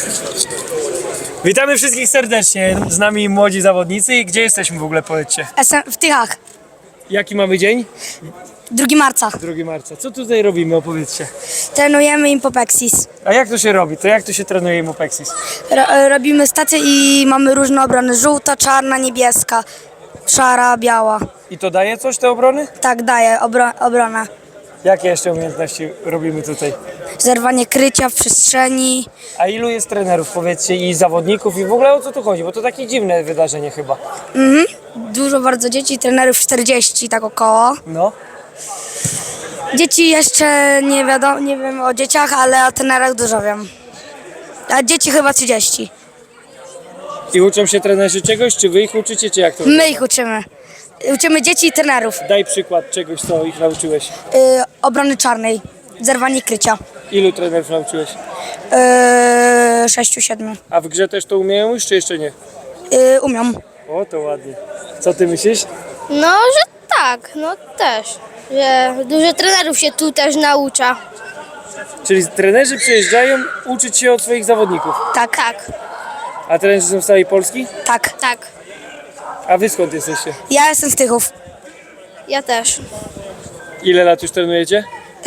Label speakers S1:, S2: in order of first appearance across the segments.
S1: Witamy wszystkich serdecznie, z nami młodzi zawodnicy. Gdzie jesteśmy w ogóle, powiedzcie?
S2: Jestem w Tychach,
S1: Jaki mamy dzień?
S2: 2 marca.
S1: 2 marca. Co tutaj robimy, opowiedzcie.
S2: Trenujemy Impopexis.
S1: A jak to się robi? To jak to się trenuje Impopexis?
S2: Robimy stację i mamy różne obrony. Żółta, czarna, niebieska, szara, biała.
S1: I to daje coś, te obrony?
S2: Tak daje obronę.
S1: Jakie jeszcze umiejętności robimy tutaj?
S2: Zerwanie krycia w przestrzeni.
S1: A ilu jest trenerów, powiedzcie, i zawodników, i w ogóle o co tu chodzi? Bo to takie dziwne wydarzenie chyba.
S2: Dużo bardzo dzieci, trenerów 40 tak około.
S1: No.
S2: Dzieci jeszcze nie wiadomo, nie wiem o dzieciach, ale o trenerach dużo wiem. A dzieci chyba 30.
S1: I uczą się trenerzy czegoś, czy wy ich uczycie, czy jak to?
S2: My ich uczymy. Uczymy dzieci i trenerów.
S1: Daj przykład czegoś, co ich nauczyłeś.
S2: Obrony czarnej, zerwanie krycia.
S1: Ilu trenerów nauczyłeś?
S2: 6-7.
S1: A w grze też to umieją już, czy jeszcze nie?
S2: Umią.
S1: O, to ładnie. Co ty myślisz?
S3: No, że tak, no też. Że dużo trenerów się tu też naucza.
S1: Czyli trenerzy przyjeżdżają uczyć się od swoich zawodników.
S2: Tak,
S3: Tak,
S1: A trenerzy są z całej Polski?
S2: tak.
S3: tak.
S1: A wy skąd jesteście?
S2: Ja jestem z Tychów.
S3: Ja też.
S1: Ile lat już trenujecie?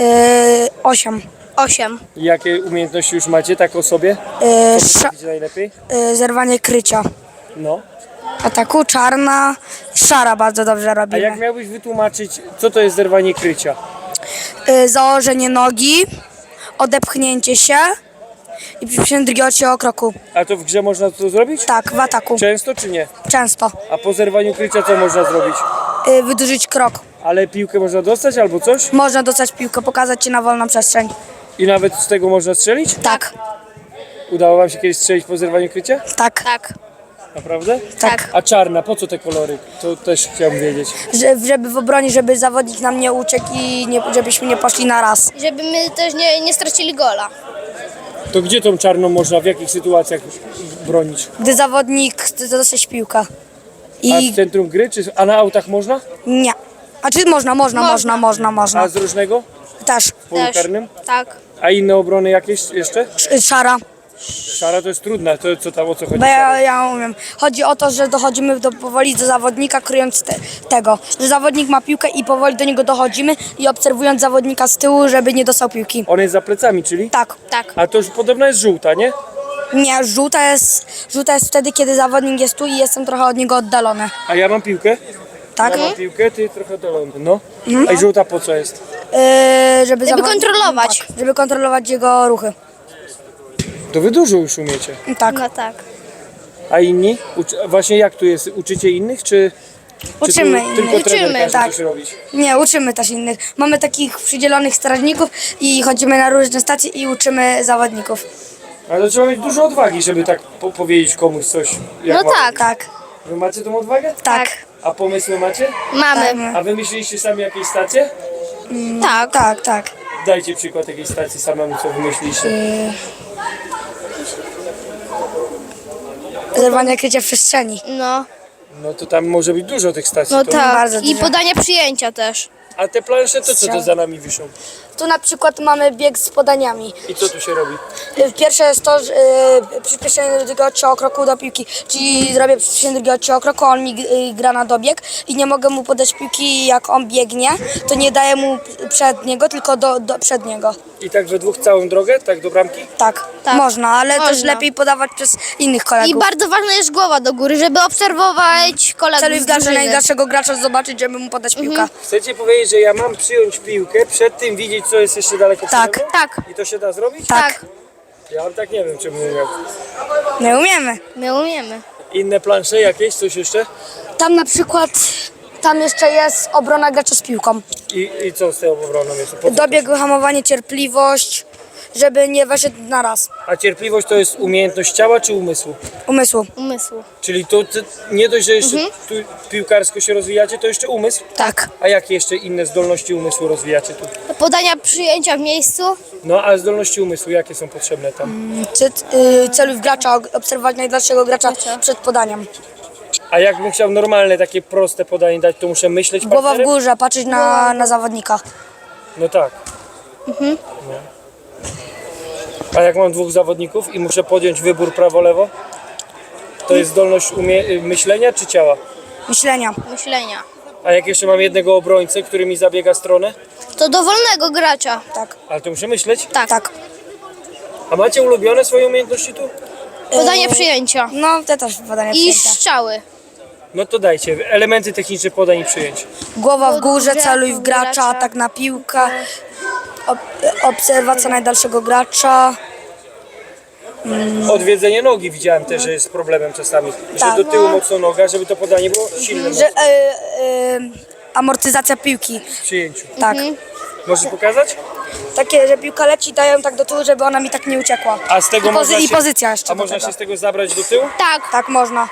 S2: 8.
S3: 8.
S1: I jakie umiejętności już macie tak o sobie? Co potraficie najlepiej?
S2: Zerwanie krycia.
S1: No.
S2: Ataku czarna, szara bardzo dobrze
S1: A
S2: robimy.
S1: jak miałbyś wytłumaczyć, co to jest zerwanie krycia?
S2: Założenie nogi, odepchnięcie się i przyspieszenie drugiego kroku.
S1: A to w grze można to zrobić?
S2: Tak, w ataku.
S1: Często czy nie?
S2: Często.
S1: A po zerwaniu krycia co można zrobić?
S2: Wydłużyć krok.
S1: Ale piłkę można dostać albo coś?
S2: Można dostać piłkę, pokazać się na wolną przestrzeń.
S1: I nawet z tego można strzelić?
S2: Tak,
S1: Udało wam się kiedyś strzelić po zerwaniu krycia?
S2: tak,
S3: Tak.
S1: Naprawdę?
S2: tak.
S1: A czarna, po co te kolory? To też chciałbym wiedzieć.
S2: Żeby w obronie, żeby zawodnik nam nie uciekł i żebyśmy nie poszli na raz.
S3: Żeby my też nie stracili gola.
S1: To gdzie tą czarną można, w jakich sytuacjach bronić?
S2: Gdy zawodnik chce dostać piłkę.
S1: A
S2: I
S1: w centrum gry, a na autach można?
S2: nie. A czy można.
S1: A z różnego?
S2: Też.
S1: W polu
S3: Też.
S1: karnym?
S3: Tak.
S1: A inne obrony jakieś jeszcze?
S2: Szara.
S1: Szara to jest trudna, to co tam, o co chodzi?
S2: Bo ja umiem. Chodzi o to, że dochodzimy powoli do zawodnika, kryjąc tego. Że zawodnik ma piłkę i powoli do niego dochodzimy i obserwując zawodnika z tyłu, żeby nie dostał piłki.
S1: On jest za plecami, czyli?
S2: Tak.
S3: Tak.
S1: A to już podobno jest żółta, nie?
S2: Nie, żółta jest wtedy, kiedy zawodnik jest tu i jestem trochę od niego oddalony.
S1: A ja mam piłkę?
S2: Tak?
S1: Ja mam piłkę, ty trochę oddalony, no. A i żółta po co jest?
S2: Żeby
S3: kontrolować.
S2: Tak, żeby kontrolować jego ruchy.
S1: To wy dużo już umiecie.
S2: Tak.
S3: No tak.
S1: A inni? Właśnie jak tu jest? Uczycie innych, czy
S2: Uczymy
S1: tu tylko
S2: innych.
S1: trener
S3: Uczymy,
S1: każe
S2: tak.
S1: coś robić?
S2: Nie, uczymy też innych. Mamy takich przydzielonych strażników i chodzimy na różne stacje i uczymy zawodników.
S1: Ale to trzeba mieć dużo odwagi, żeby tak powiedzieć komuś coś. Jak
S3: No
S1: ma.
S3: tak.
S2: Tak.
S1: Wy macie tą odwagę?
S2: Tak.
S1: A pomysły macie?
S3: Mamy.
S1: A wymyśliliście sami jakieś stacje?
S3: Tak.
S2: Tak, tak.
S1: Dajcie przykład jakiejś stacji samemu, co wymyśliliście.
S2: Zerwanie krycia w przestrzeni.
S3: No.
S1: No to tam może być dużo tych stacji.
S3: No
S1: to...
S3: tak.
S2: bardzo
S3: I
S2: dużo.
S3: podania przyjęcia też.
S1: A te plansze to co to za nami wiszą?
S2: Tu na przykład mamy bieg z podaniami.
S1: I co tu się robi?
S2: Pierwsze jest to, że przyspieszenie drugiego kroku do piłki. Czyli zrobię przyspieszenie drugiego kroku, on mi gra na dobieg i nie mogę mu podać piłki, jak on biegnie, to nie daję mu przed niego, tylko do przed niego.
S1: I tak we dwóch całą drogę, tak do bramki?
S2: Tak,
S3: Tak.
S2: można, ale też
S3: Można.
S2: lepiej podawać przez innych kolegów.
S3: I bardzo ważna jest głowa do góry, żeby obserwować kolegów
S2: Celuj
S3: z
S2: w garze
S3: drużyny.
S2: najgorszego gracza, zobaczyć, żeby mu podać piłkę.
S1: Chcecie powiedzieć, że ja mam przyjąć piłkę, przed tym widzieć, co jest jeszcze daleko
S2: Tak.
S1: przede mną?
S3: Tak.
S1: I to się da zrobić?
S2: Tak.
S1: Ja tak nie wiem, czemu nie miał.
S2: My umiemy.
S3: My umiemy.
S1: Inne plansze jakieś, coś jeszcze?
S2: Tam na przykład, tam jeszcze jest obrona gracza z piłką.
S1: I co z tą obroną jest? Po co
S2: Dobieg, wyhamowanie, cierpliwość, żeby nie weszedł na raz.
S1: A cierpliwość to jest umiejętność ciała czy umysłu?
S2: Umysłu.
S3: Umysłu.
S1: Czyli to nie dość, że jeszcze tu piłkarsko się rozwijacie, to jeszcze umysł?
S2: Tak.
S1: A jakie jeszcze inne zdolności umysłu rozwijacie tu?
S3: Podania przyjęcia w miejscu.
S1: No a zdolności umysłu jakie są potrzebne tam?
S2: Celuj w gracza, obserwować najdalszego gracza przed podaniem.
S1: A jakbym chciał normalne, takie proste podanie dać, to muszę myśleć
S2: Głowa w
S1: partnerem?
S2: górze, patrzeć na zawodnika.
S1: No tak. A jak mam dwóch zawodników i muszę podjąć wybór prawo-lewo, to jest zdolność myślenia czy ciała?
S2: Myślenia.
S3: Myślenia.
S1: A jak jeszcze mam jednego obrońcę, który mi zabiega stronę,
S3: To dowolnego gracza.
S2: Tak.
S1: ale to muszę myśleć.
S3: Tak.
S2: Tak.
S1: A macie ulubione swoje umiejętności tu?
S3: Podanie przyjęcia.
S2: No, te też podania
S3: I
S2: przyjęcia.
S3: strzały.
S1: No to dajcie, elementy techniczne podań i przyjęć.
S2: Głowa w górze,
S3: Górze,
S2: celuj w gracza,
S3: gracza.
S2: atak na piłkę, obserwacja najdalszego gracza.
S1: Odwiedzenie nogi widziałem też, że jest problemem czasami.
S2: Tak.
S1: Że do tyłu mocno noga, żeby to podanie było silne
S2: Że, amortyzacja piłki.
S1: w przyjęciu.
S2: Tak.
S1: Możesz pokazać?
S2: Takie, że piłka leci, dają tak do tyłu, żeby ona mi tak nie uciekła.
S1: A z tego
S2: I,
S1: można
S2: i
S1: się,
S2: pozycja jeszcze
S1: A
S2: do
S1: można
S2: tego.
S1: się z tego zabrać do tyłu?
S3: Tak.
S2: Tak, można.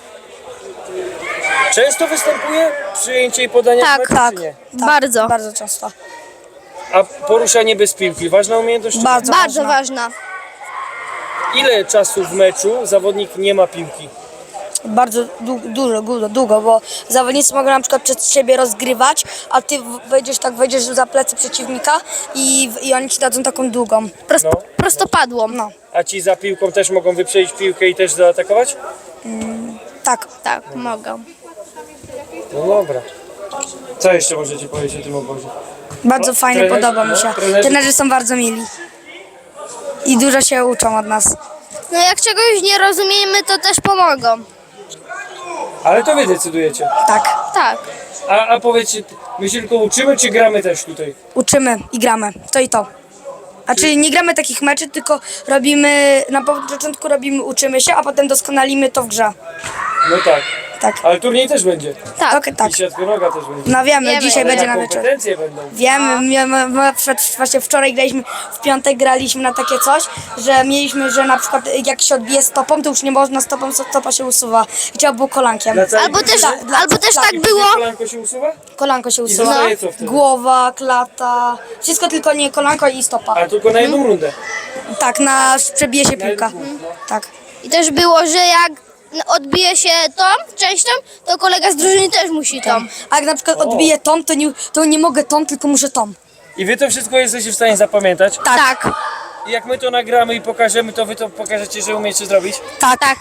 S1: Często występuje przyjęcie i podanie
S3: Tak,
S1: w meczu,
S2: Tak.
S1: czy nie?
S2: tak.
S3: Bardzo.
S2: Bardzo często.
S1: A poruszanie bez piłki, ważna umiejętność? czy nie?
S2: Bardzo,
S3: Bardzo ważna.
S1: Ile czasu w meczu zawodnik nie ma piłki?
S2: Bardzo długo, bo zawodnicy mogą na przykład przed siebie rozgrywać, a ty wejdziesz za plecy przeciwnika i oni ci dadzą taką długą.
S1: No.
S3: Prostopadłą.
S2: No,
S1: A ci za piłką też mogą wyprzedzić piłkę i też zaatakować?
S2: tak.
S3: Tak, mogą.
S1: No dobra. Co jeszcze możecie powiedzieć o tym obozie?
S2: Bardzo fajnie,
S1: trenerzy-
S2: podoba mi się.
S1: trenerzy-
S2: Trenerzy są bardzo mili. I dużo się uczą od nas.
S3: No jak czegoś nie rozumiemy, to też pomogą.
S1: Ale to wy decydujecie.
S2: Tak.
S3: Tak.
S1: A powiedzcie, my się tylko uczymy, czy gramy też tutaj?
S2: Uczymy i gramy. To i to. Znaczy nie gramy takich meczy, tylko robimy, na początku uczymy się, a potem doskonalimy to w grze.
S1: No tak.
S2: Tak.
S1: Ale turniej też będzie.
S3: Tak.
S2: Okej, tak.
S1: I siatkonoga też będzie.
S2: No wiemy,
S3: Wiemy.
S2: dzisiaj
S3: Ale
S2: będzie
S1: Na
S2: na wieczór.
S1: kompetencje będą.
S2: Wiemy, właśnie wczoraj graliśmy, w piątek graliśmy na takie coś, że mieliśmy, że na przykład jak się odbije stopą, to już nie można stopą, stopa się usuwa i trzeba było kolankiem.
S1: Dla całej
S3: Albo też,
S1: drużyny?
S3: albo też tak było.
S1: Kolanko się usuwa?
S2: Kolanko się
S1: I
S2: usuwa.
S1: zostaje co wtedy?
S2: Głowa, klata, wszystko tylko nie kolanko i stopa.
S1: Ale tylko na jedną rundę.
S2: Tak, przebije się piłka. Tak.
S3: I też było, że jak odbije się tą częścią, to kolega z drużyny też musi tą.
S2: A jak na przykład odbiję tą, to nie mogę tą, tylko muszę tą.
S1: I wy to wszystko jesteście w stanie zapamiętać?
S3: Tak.
S1: I jak my to nagramy i pokażemy, to wy to pokażecie, że umiecie zrobić?
S2: Tak.
S3: Tak.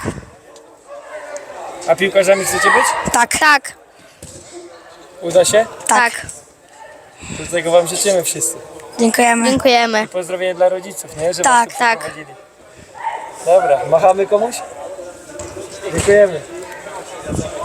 S1: A piłkarzami chcecie być?
S2: Tak.
S3: Tak.
S1: Uda się?
S3: Tak.
S1: Do tego wam życzymy wszyscy.
S2: Dziękujemy.
S3: Dziękujemy.
S1: Pozdrowienie dla rodziców, nie? Że
S2: Tak,
S1: was tu
S3: tak.
S1: przeprowadzili. Dobra, machamy komuś? Dziękujemy.